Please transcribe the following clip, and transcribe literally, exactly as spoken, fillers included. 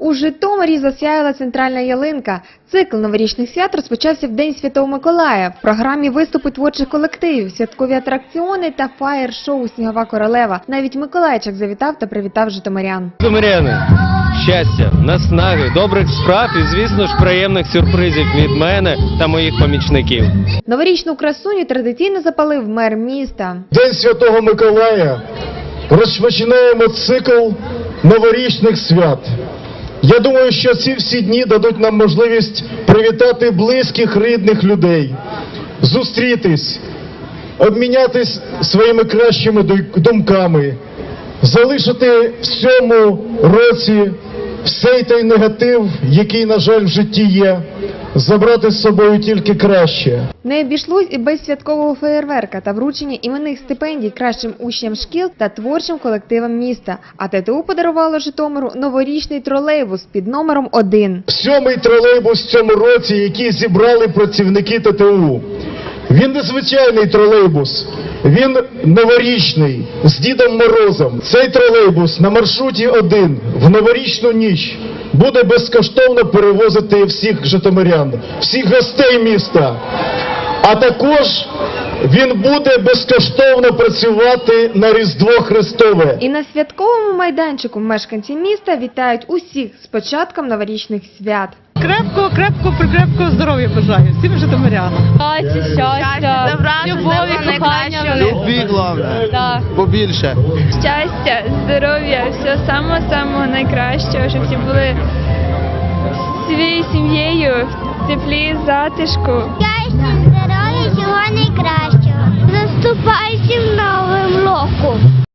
У Житомирі засяяла центральна ялинка. Цикл новорічних свят розпочався в День Святого Миколая. В програмі виступи творчих колективів, святкові атракціони та фаєр-шоу «Снігова королева». Навіть Миколайчик завітав та привітав житомирян. Житомиряни, щастя, наснаги, добрих справ і, звісно ж, приємних сюрпризів від мене та моїх помічників. Новорічну красуню традиційно запалив мер міста. День Святого Миколая. Розпочинаємо цикл новорічних свят. Я думаю, що ці всі дні дадуть нам можливість привітати близьких, рідних людей, зустрітись, обмінятись своїми кращими думками, залишити в цьому році всей той негатив, який, на жаль, в житті є, забрати з собою тільки краще. Не обійшлось і без святкового феєрверка та вручення іменних стипендій кращим учням шкіл та творчим колективам міста. А ТТУ подарувало Житомиру новорічний тролейбус під номером один. Сьомий тролейбус в цьому році, який зібрали працівники ТТУ. Він незвичайний тролейбус, він новорічний, з Дідом Морозом. Цей тролейбус на маршруті один в новорічну ніч буде безкоштовно перевозити всіх житомирян, всіх гостей міста. А також він буде безкоштовно працювати на Різдво Христове. І на святковому майданчику мешканці міста вітають усіх з початком новорічних свят. Крепкого, крепкого, прикрепкого здоров'я бажаю всім житомирянам. Щастя, щастя, добра, любові, кохання. Любві, головне, Так. побільше. Щастя, здоров'я, все самого-самого найкращого, щоб всі були своєю сім'єю, в теплі, затишку. Щастя, здоров'я, всього найкращого. Наступаючим новим роком.